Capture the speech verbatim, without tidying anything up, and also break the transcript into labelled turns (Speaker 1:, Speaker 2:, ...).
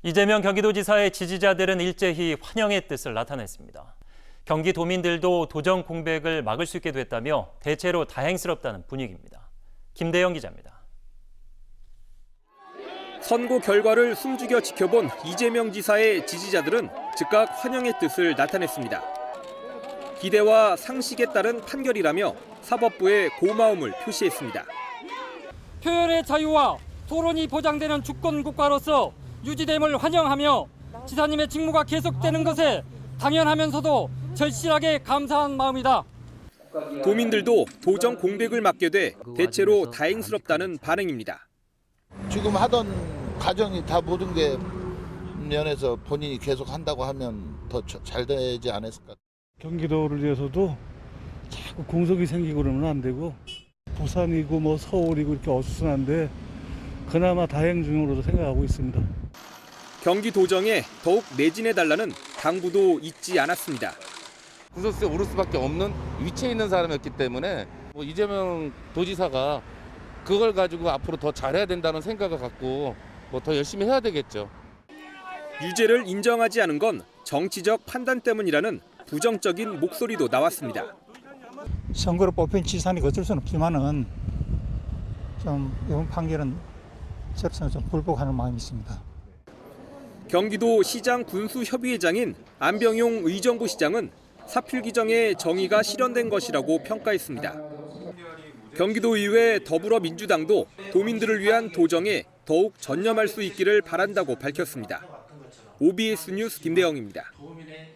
Speaker 1: 이재명 경기도지사의 지지자들은 일제히 환영의 뜻을 나타냈습니다. 경기도민들도 도정 공백을 막을 수 있게 됐다며 대체로 다행스럽다는 분위기입니다. 김대영 기자입니다.
Speaker 2: 선거 결과를 숨죽여 지켜본 이재명 지사의 지지자들은 즉각 환영의 뜻을 나타냈습니다. 기대와 상식에 따른 판결이라며 사법부에 고마움을 표시했습니다.
Speaker 3: 표현의 자유와 토론이 보장되는 주권 국가로서 유지됨을 환영하며 지사님의 직무가 계속되는 것에 당연하면서도 절실하게 감사한 마음이다.
Speaker 2: 도민들도 도정 공백을 막게 돼 대체로 다행스럽다는 반응입니다.
Speaker 4: 지금 하던 과정이 다 모든 게 면에서 본인이 계속 한다고 하면 더 잘 되지 않았을까.
Speaker 5: 경기도를 위해서도 자꾸 공석이 생기고 그러면 안 되고 부산이고 뭐 서울이고 이렇게 어수선한데 그나마 다행 중으로도 생각하고 있습니다.
Speaker 2: 경기도정에 더욱 매진해달라는 당부도 잊지 않았습니다.
Speaker 6: 구설수에 오를 수밖에 없는 위치에 있는 사람이었기 때문에 뭐 이재명 도지사가 그걸 가지고 앞으로 더 잘해야 된다는 생각을 갖고 뭐 더 열심히 해야 되겠죠.
Speaker 2: 유죄를 인정하지 않은 건 정치적 판단 때문이라는 부정적인 목소리도 나왔습니다.
Speaker 7: 선거로 뽑힌 지사니 어쩔 수는 없지만은 좀 이번 판결은 저로서는 좀 불복하는 마음이 있습니다.
Speaker 2: 경기도 시장 군수협의회장인 안병용 의정부 시장은 사필 규정의 정의가 실현된 것이라고 평가했습니다. 경기도의회 더불어민주당도 도민들을 위한 도정에 더욱 전념할 수 있기를 바란다고 밝혔습니다. 오비에스 뉴스 김대영입니다.